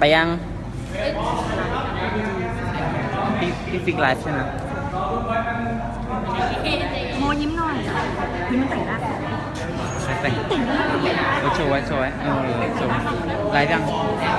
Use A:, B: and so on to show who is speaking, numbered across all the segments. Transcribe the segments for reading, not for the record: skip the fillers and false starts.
A: ไปยังพี่ฟิกไลฟ์ใช่ไหม
B: โมยิ้มหน่อยยิ้มมันแต่งหน้า
A: ใช่แต่งโชว์ไว้โชว์ไว้โชว์ไลฟ์ยัง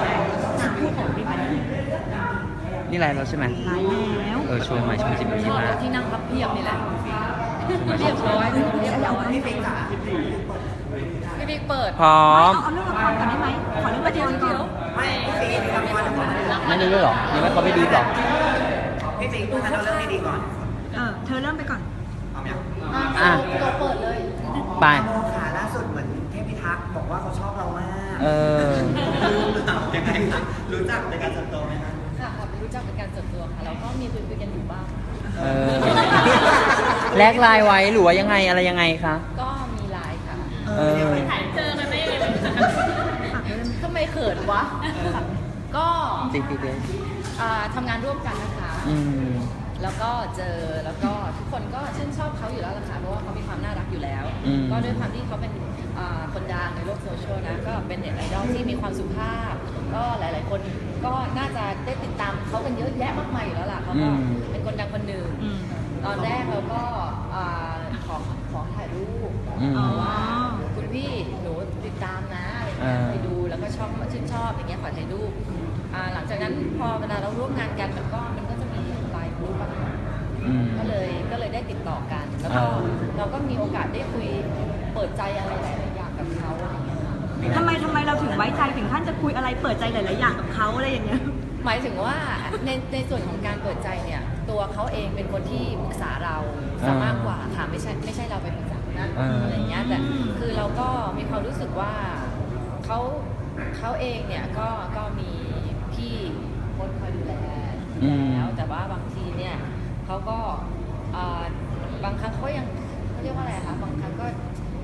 A: นี่ไลฟ์แล้วใช่ไหม
B: ไลฟ์แล้ว
A: โชว์ใหม่ช่อง10 นาทีมา
C: ที่นั่งพับเพียบนี่แหละ
A: เรียบร้อย
C: พี่บิ๊กเปิด
A: พร้อม
B: เอาเรื่องละครก่อนได้ไหมขอเรื่องละครก่อน
A: ไม่ได้ด้วยหรอยังไม่เขาไม่ดีหรอ
D: พี่ฟิงพูดกันเอาเรื่องดีๆก่อน
B: เธอเริ่มไปก่อน
D: เอาไหม
A: อ่ะ
C: ตัวเปิดเลย
A: ไป
D: ขาล่าสุดเหมือนเทพพิทักษ์บอกว่าเขาชอบเรามาก ยังไงคะรู้จักในการส่วนตัวไหมคะ
C: ค่ะรู้จักเป็นการส่วนตัวค่ะแล้วก็มีคุยกันอยู่บ้าง
A: แลกไลน์ไว้หรือว่ายังไงอะไรยังไงคะ
C: ก็มีไลน์ค่ะ
B: ฝากด้วยได้ไหม
C: ทำไมเขินวะ ก็
A: ติ๊กติ๊กเลย
C: ทำงานร่วมกันนะคะ แล้วก็เจอแล้วก็ทุกคนก็ชื่นชอบเขาอยู่แล้วล่ะค่ะเพราะว่าเขามีความน่ารักอยู่แล้ว ก็ด้วยความที่เขาเป็นคนดังในโลกโซเชียลนะก็เป็นเน็ตไอดอลที่มีความสุภาพ ก็หลาย ๆ คนก็น่าจะได้ติดตามเขากันเยอะแยะมากมายอยู่แล้วล่ะเขาก็เป็นคนดังคนหนึ่งตอนแรกเราก็ขอถ่ายรูปว่าคุณพี่หนูติดตามนะอะไรเงี้ยไปดูแล้วก็ชอบชื่นชอบอย่างเงี้ยขอถ่ายรูปหลังจากนั้นพอเวลาเราร่วมงานกันมันก็จะมีไลน์กรุ๊ปอะค่ะก็เลยได้ติดต่อกัน แล้วก็เราก็มีโอกาสได้คุยเปิดใจอะไรหลายๆอย่างกับเขาอะไรเงี้ยค่ะ
B: ทำไมเราถึงไว้ใจถึงขั้นจะคุยอะไรเปิดใจหลายๆอย่างกับเขาอะไรอย่างเงี้ย
C: หมายถึงว่าในส่วนของการเปิดใจเนี่ยตัวเขาเองเป็นคนที่ปรึกษาเราซะมากกว่าค่ะไม่ใช่เราไปปรึกษานะอะไรเงี้ยแต่คือเราก็มีความรู้สึกว่าเขาเองเนี่ยก็มีพี่คนคอยดูแลแล้วแต่ว่าบางทีเนี่ยเขาก็บางครั้งเขายังเขาเรียกว่าอะไรคะบางครั้งก็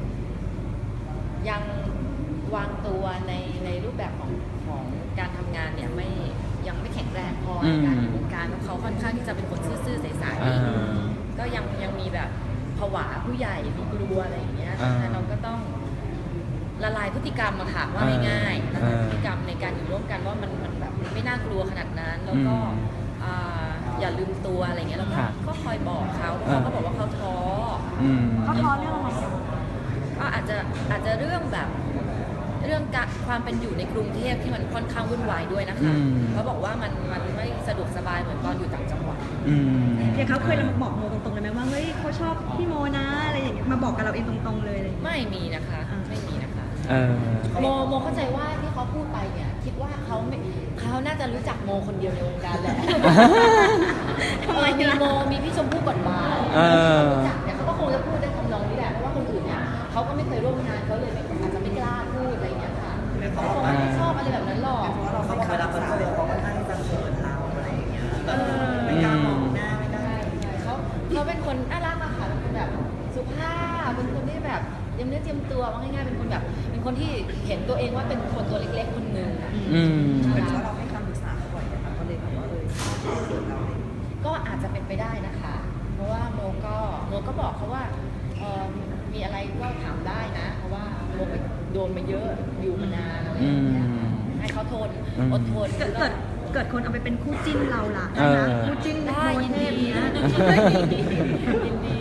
C: ยังวางตัวในรูปแบบของการทำงานเนี่ยยังไม่แข็งแรงพอในการอยู่วงการเพราะเขาค่อนข้างที่จะเป็นคนซื่อๆใสๆก็ยังมีแบบผวาผู้ใหญ่มีกลัวอะไรอย่างเงี้ยแต่เราก็ต้องละลายพฤติกรรมมาค่ะว่าง่ายๆละลายพฤติกรรมในการอยู่ร่วมกันว่ามันแบบไม่น่ากลัวขนาดนั้นแล้วก็อย่าลืมตัวอะไรเงี้ยแล้วก็คอยบอกเขาเขาก็บอกว่าเขาท้อ
B: เขาท้อเรื่องอะไร
C: ก็อาจจะเรื่องแบบเรื่องความเป็นอยู่ในกรุงเทพที่มันค่อนข้างวุ่นวายด้วยนะคะเขาบอกว่ามันไม่สะดวกสบายเหมือนตอนอยู่ต่างจังหวัด
B: เขาเคยมาบอกโมตรงๆเลยไหมว่าเฮ้ยเขาชอบพี่โมนะอะไรอย่างเงี้ยมาบอกกับเราเองตรงๆเลย
C: ไม่มีนะคะไม่มีนะคะ
A: โ
C: โมเข้าใจว่าที่เขาพูดไปเนี่ยคิดว่าเขาน่าจะรู้จักโมคนเดียวในวงการแหละทำไมมีพี่ชมพู่กฎหมายรู้จักเนี่ยเขาก็คงจะพูดได้ทำนองนี้แหละเพราะว่าคนอื่นเนี่ยเขาก็ไม่เคยร่วมงานเขาเลยอาจจะไม่กล้าพูดอะไรอย่างเงี้ยค่ะเขาคงไม่ได้ชอบอะไรแบบนั้นหรอก
D: เพราะเราเขาเวลาเปิดเผยเขาค่อนข้างจะเขินเราอะไรอย่างเงี้ยไม่กล้ามองหน้าไม่ได้
C: เขาเป็นคนน่ารักอะค่ะเป็นคนแบบสุภาพเป็นคนที่แบบเตรียมเนื้อเตรียมตัวว่าง่ายๆเป็นคนแบบเป็นคนที่เห็นตัวเองว่าเป็นคนตัวเล็กๆคนหนึ่ง
D: เป็นเพราะเราให้คำปรึกษาเขาบ่อยนะคะก็เลยแบบว่าเรา
C: ก็อาจจะเป็นไปได้นะคะ เพราะว่าโมก็บอกเขาว่ามีอะไรก็ถามได้นะ เพราะว่าโมไปโดนมาเยอะอยู่มานานอะไรอย่างเงี้ยให้เขาทนอดทน
B: เกิดคนเอาไปเป็นคู่จิ้นเราล่ะคู่จิ้นโมเทพนะ
C: ยินดี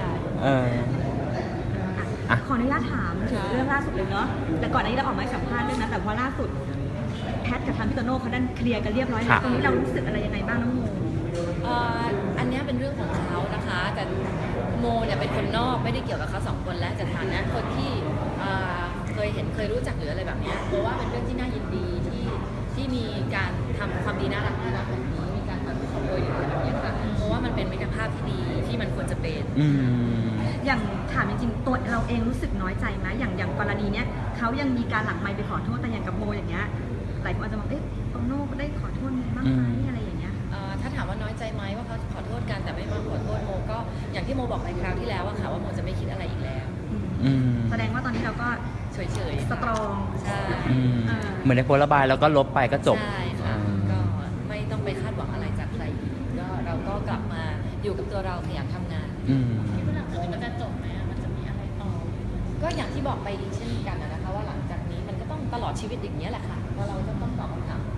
C: ค่ะ
B: ขออนุญาตถามถึงเรื่องล่าสุดเลยเนาะแต่ก่อนหน้านี้เราออกมาสัมภาษณ์ด้วยนะแต่พอล่าสุดแพทกับทางพี่โตโน่เขาดันเคลียร์กันเรียบร้อยแล้วตรงนี้เรารู้สึกอะไรยังไงบ้างน้องโม
C: อันนี้เป็นเรื่องของเขานะคะแต่โมเนี่ยเป็นคนนอกไม่ได้เกี่ยวกับเขาสองคนและแต่ฐานะคนที่เคยรู้จักหรืออะไรแบบนี้เพราะว่าเป็นเรื่องที่น่ายินดีที่มีการทำความดีน่ารักแบบนี้มีการทำขโมยหรืออะไรแบบนี้ค่ะเพราะว่ามันเป็นมิตรภาพที่ดีที่มันควรจะเป็น
B: อย่างถามจริงๆตัวเราเองรู้สึกน้อยใจไหมอย่างกรณีเนี้ยเขายังมีการหลังไมค์ไปขอโทษแต่อย่างกับโมอย่างเงี้ยหลายคนอาจจะมองโตโน่ได้ขอโทษบ้างไหมอะไรอย่างเงี้ย
C: ถ้าถามว่าน้อยใจไหมว่าเขาขอโทษกันแต่ไม่มาขอโทษโมก็อย่างที่โมบอกไปคราวที่แล้วว่าค่ะว่าโมจะไม่คิดอะไรอีกแล้ว
B: แสดงว่าตอนนี้เราก็
C: เฉย
B: ๆสตรอง
C: ใช่
A: เหมือนในโพสต์ระบายแล้วก็ลบไปก็จบ
C: ใช่ค่ะก็ไม่ต้องไปคาดหวังอะไรจากใครก็เราก็กลับมาอยู่กับตัวเราขยันทำงาน
E: คิดว่าหลังจากนี้มันจะจบไหมมันจะมีอะไรต่อ
C: ก็อย่างที่บอกไปอีกเช่นกันนะคะว่าหลังจากนี้มันก็ต้องตลอดชีวิตอย่างนี้แหละค่ะว่าเราจะต้องตอบคำถามของกัน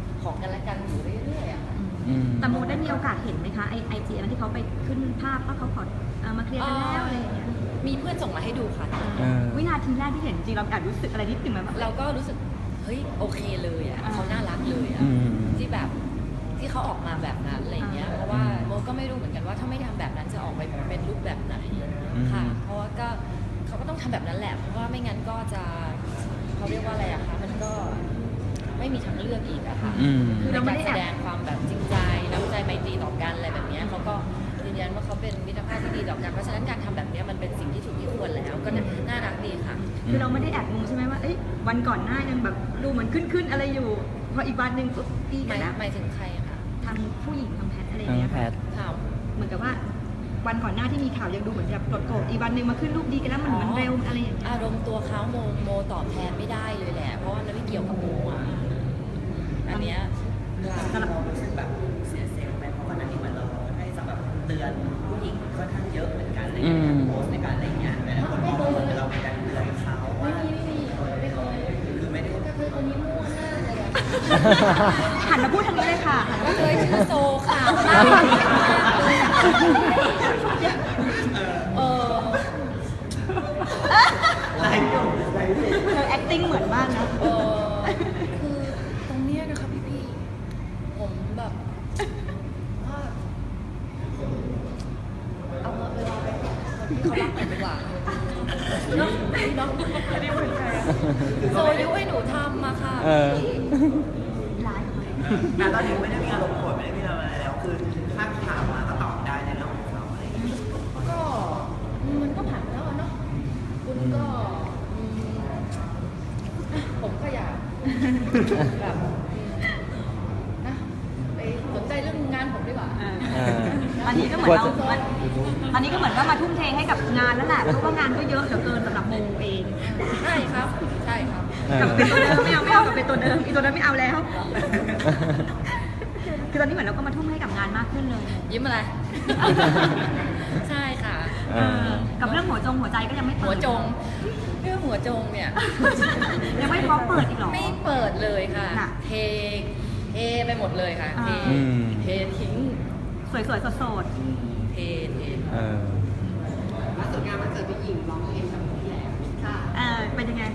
C: กันและกันอยู่เรื่อยๆอะค่ะ
B: แต่โมได้มีโอกาสเห็นไหมคะไอจีนั้นที่เขาไปขึ้นภาพว่าเขาขอมาเคลียร์กันแล้วอะไรอย่างเงี้ย
C: มีเพื่อนส่งมาให้ดูค่ะ
B: วินาทีแรกที่เห็นจริงเราแอบรู้สึกอะไรนิดนึงไหมแบบ
C: เราก็รู้สึกเฮ้ยโอเคเลยอ่ะเขาน่ารักเลยอ่ะที่แบบที่เขาออกมาแบบนั้นอะไรเงี้ยเพราะว่าโมก็ไม่รู้เหมือนกันว่าถ้าไม่ทำแบบนั้นจะออกไปเป็นรูปแบบไหนค่ะเพราะว่าก็เขาก็ต้องทำแบบนั้นแหละเพราะว่าไม่งั้นก็จะเขาเรียกว่าอะไรอะคะมันก็ไม่มีทางเลือกอีกอะค่ะคือในการแสดงความแบบจริงใจน้ำใจไมตรีต่อกันอะไรแบบนี้เขาก็ยืนยันว่าเขาเป็นมิตรภาพที่ดีต่อกันเพราะฉะนั้นการทำแบบนี้มันเป็นสิ่งที่ถูกที่ควรแล้วก็น่ารักดีค่ะ
B: คือเราไม่ได้แอบงงใช่ไหมว่าวันก่อนหน้ายังแบบดูเหมือนขึ้นอะไรอยู่พออีกวันหนึ่งปุ๊บตีกันแล้ว
C: หมายถึงใครอะคะ
B: ทางผู้หญิงทางแพทอะไรอย่างเงี้ย
A: แพ
B: ค่ะ
A: ท
C: ข่าว
B: เหมือนกับว่าวันก่อนหน้าที่มีข่าวยังดูเหมือนแบบโกรธอีกวันหนึ่งมาขึ้นรูปดีกันแล้วมันเร็วอะไรอย่างเงี้ย
C: อารมณ์ตัวเขาโมตอบแทนไม่ได้เลยแหละเพราะว่ามันไม่เกี่ยวกับโมอ่ะอันเนี้ย
D: เรารู้สึกแบบเสียเซลล์ไหมเพราะวันนั้นที่เหมือนเราให้สำหรับเตือนผู้หญิงค่อนข้างเยอะเหมือนกันในการโพสในการอะไรเงี้ยแต่คนมองว่าเหมือนเราเป็นการเตือนเขาว่าคือไม่ได้
C: ก็คือคนนี้มั่วมากเลยอะ
B: หันมาพูดทางนี้เลยค่ะ
C: ก็เคยชื่อโซค่ะเออ
D: ไลฟ์อยู่ไลฟ์อยู่
B: เธอ acting เหมือนมากนะ
C: คือตรงเนี้ยนะคะพี่ผมแบบว่าเอาเวลาไปคนที่เขารักกันดีกว่าเนาะเนาะโซยุให้หนูทำมาค่ะ
D: แต่ตอนนี้ไม่ได้มีอารมณ์โกรธไม่ได้มีอะไรแล้วคือถ้าถามมาก็ตอบได้ในเรื่องของเขาอะไรอย่างเงี้ย
C: ก็มันก็ผ่านไปแล้วอะเนาะคุณก็ผมก็อยากแบบนะไปสนใจเรื่องงานผมดีกว่า
B: อันนี้ก็เหมือนเราอันนี้ก็เหมือนว่ามาทุ่มเทให้กับงานแล้วแหละเพราะว่างานก็เยอะเหลือเกินสำหรับโมเอง
C: ใช่ครับ ใช่ครับ
B: กลับเป็นตัวเดิมไม่เอากลับเป็นตัวเดิมอีตัวเดิมไม่เอาแล้ว คือตอนนี้เหมือนเราก็มาทุ่มให้กับงานมากขึ้นเลย
C: ยิ้มอะไร ใช่ค่ะ
B: กับเรื่องหัวใจก็ยังไม่เปิด
C: หัวจง เรื่องหัวจงเนี่ย
B: ยังไม่พร้อมเปิดอีกหรอ
C: ไม่เปิดเลยค่ะ
B: น่ะ
C: เทไปหมดเลยค่ะ เททิ้ง
B: สวยๆสด
C: เท
D: ล่าสุดงานวันเกิดพี่หญิงร้องเพลงกับพี่แหลม
C: ค่ะ
B: ๆเป็นยังไง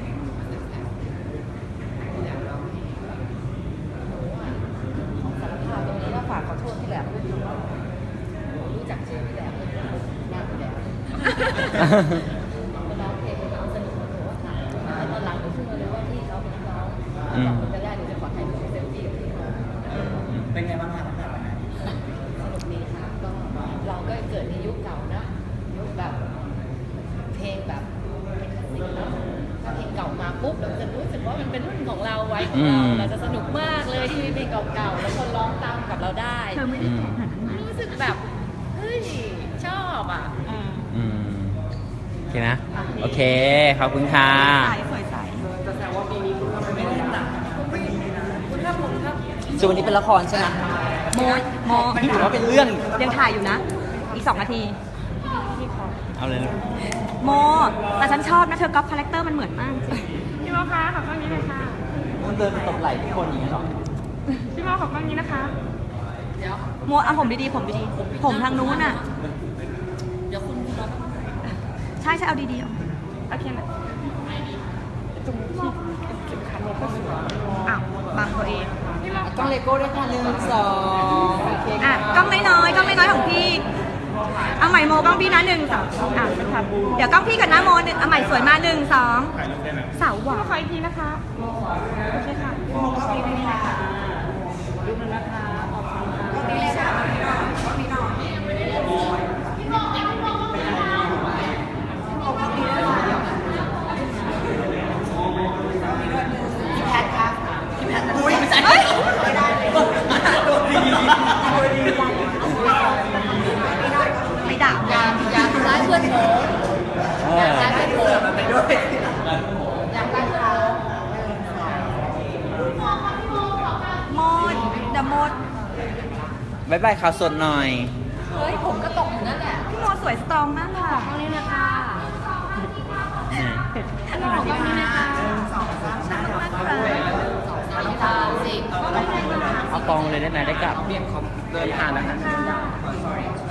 C: ของสารภาพตรงนี้ว่าฝากขอโทษพี่แหลมด้วยค่ะรู้จักชื่อพี่แหลมเลยมากพี่แหลมร้องเพลงร้องสนุกหนูว่าค่ะตอนหลังหนูเพิ่งมารู้ว่าพี่เขาเป็นนักร้องขอบคุณจะได้หนูจะขอถ่ายรูปเซลฟี่กับพี่เขา
D: เป็นไงบ้างคะตั้งแต่วันนั้น
C: สนุกดีค่ะก็เราก็เกิดในยุคเก่านะยุคแบบเพลงแบบเพลงคลาสสิกเนอะถ้าเพลงเก่ามาปุ๊บเราจะรู้สึกว่ามันเป็นรุ่นของเราไว้ของเราเราจะสนุกมากเลยที่มีเพลงเก่าๆแล้วคนร้องตามกับเราได้
B: เธอไม่ได้แข่งขนาดนั้นนะ
C: รู้สึกแบบเฮ้ยชอบอ่ะ
A: โอเคนะ โอเค ขอบคุณค่ะ
B: สวยใส
D: จะแซวว่าปีนี้คุณทำไม่ได้หนักปีนี้นะ
C: คุณครับผมครับ
A: ส่วนวันนี้เป็นละครใช่ไหม
B: โม
A: ถือว่าเป็นเรื่อง
B: ยังถ่ายอยู่นะ อีก2 นาที
A: เอาเลยนะ
B: โม แต่ฉันชอบนะเธอก๊อปคาแรคเตอร์มันเหมือนมาก
E: พี่โมคะขอบคุณนี้เลยค่ะ
A: มันเดินตบไหล่ทุกคนอย่างนี้หรอ
E: พี่โมขอบคุณนี้นะคะ
C: เดี๋ยว
B: โมเอาผมดีๆผมดีๆผมทางนู้นน่ะ
C: เดี๋ยวคุณรอ
B: ใช่เอาดีๆเอา
E: โอเคนะ
B: อ้าวบังตัวเอง
E: พี่โม
A: ต้องเลโก้ด้วยค่ะ1 2โอเค
B: อ่ะกล้องน้อยๆของพี่ เอาใหม่โมกล้องพี่นะ1 2อ่ะเดี๋ยวกล้องพี่กับน้าโม1เอาใหม่สวยมา1 2เสาหวา
E: ขออีกทีนะคะ โอเคค่ะ
D: อุ้ยไม่ใช่ไม่ได้เลยโดนดีโดนดี
B: ไม่ด่า
C: อยากไล่เพื่อนโมอยากไล่เพื่อนโม
D: ไปด้วย
C: อยากไล่เพื่อนโม
B: โมดเดอะโมด
A: บายบายข่าวสดหน่อย
C: เฮ้ยผมก็ตกอยู่นั่นแหละ
B: พี่โมสวยสตรองมากค่ะ
C: ตรงนี้นะคะขอบคุณนะคะ
B: น่ารักมากค่ะ
C: 2 3 4
A: เอาปกองเลยได้ไหมได้กลับ
F: เบียนเขาเดินผ่านนะคะ